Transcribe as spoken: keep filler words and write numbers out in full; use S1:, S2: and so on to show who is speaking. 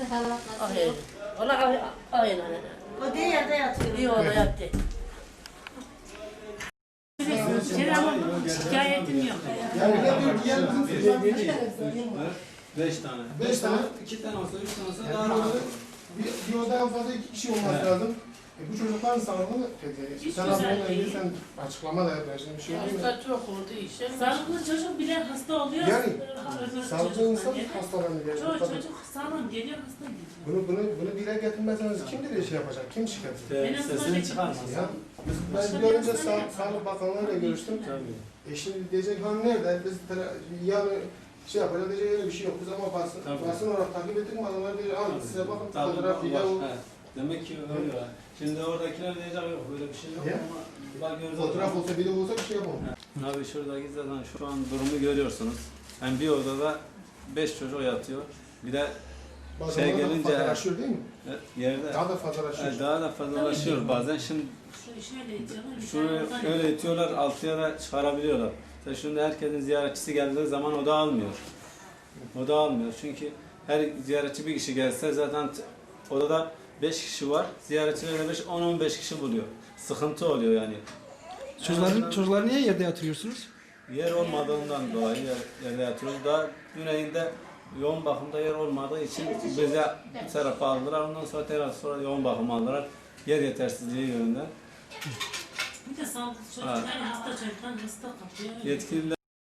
S1: Hayır. Ona aynen.
S2: O diye yerde yatıyor.
S1: İyi oldu yattı.
S3: Şey ama şikayetim yok.
S4: Yani ne diyor diğer bizim
S5: Beş tane.
S4: Beş tane.
S5: İki tane olsa, üç tane olsa
S4: Yani
S5: daha rahat.
S4: orada bir, bir odadan fazla iki kişi olması lazım. E bu çocukların sağlığı peki.
S3: Hiç
S4: Sen
S3: güzel
S4: ablanla ilgili
S3: değil.
S4: sen açıklama da yaparsın. Bir şey değil mi?
S1: Hasta çok oldu işe.
S3: Sağlıklı çocuk bile hasta oluyor.
S4: Yani
S3: öbür
S4: sağlıklı
S3: çocuktan
S4: insan
S3: geliyor.
S4: hastalanıyor. Yani.
S3: Çoğu
S4: Tabii.
S3: çocuk sağlam geliyor, hasta geliyor.
S4: Bunu, bunu, bunu dile getirmezseniz kim dile şey yapacak? Kim şikayet edecek?
S3: En azından
S5: Sesini
S3: bir-
S5: çıkarmasın.
S4: Ya, ben bir an önce Sağ, Sağlık Bakanlığı'yla görüştüm.
S5: Tabii.
S4: E şimdi diyecek han nerede? Biz tele- yarın şey yapacağız diyecek öyle bir şey yok. Biz ama basın,
S5: Tabii.
S4: basın olarak takip ettik mi adamlar diyecek al size bakın
S5: Tabii,
S4: fotoğraf video.
S5: var. He. Demek ki öyle var. Şimdi oradakiler diyecek yok böyle bir şey yok
S4: Ya.
S5: ama bakıyoruz.
S4: Fotoğraf olsa video olsa bir şey yapalım.
S5: Abi şuradaki zaten şu an durumu görüyorsunuz. Yani bir odada beş çocuk yatıyor. Bir de
S4: Bazen
S5: Şey
S4: şey
S5: gelince-
S4: fazlalaşıyor değil mi?
S5: e, yerde
S4: Daha da fazlalaşıyor.
S5: e, daha da fazlalaşıyor bazen. Şimdi
S3: Şu şöyle itiyorlar. bir
S5: şunu
S3: tane oradan
S5: öyle itiyorlar, altıya da çıkarabiliyorlar. İşte şimdi herkesin ziyaretçisi geldiği zaman o da almıyor. O da almıyor. Çünkü her ziyaretçi bir kişi gelse zaten t- odada beş kişi var. Ziyaretçilere beş on on beş kişi buluyor. Sıkıntı oluyor yani.
S6: Çocukların, çocuklar niye yerde yatırıyorsunuz?
S5: Yer olmadığından dolayı yer, yerde yatıyoruz. Daha güneyinde yoğun bakımda yer olmadığı için bize bu tarafa aldılar. Ondan sonra tekrar sonra yoğun bakım aldılar. Yer yetersizliği yönünden.
S3: Bir de sağlıklı çocuk,
S5: Ha.
S3: yani hasta çocuktan hasta kapıyor.
S5: Yetkililer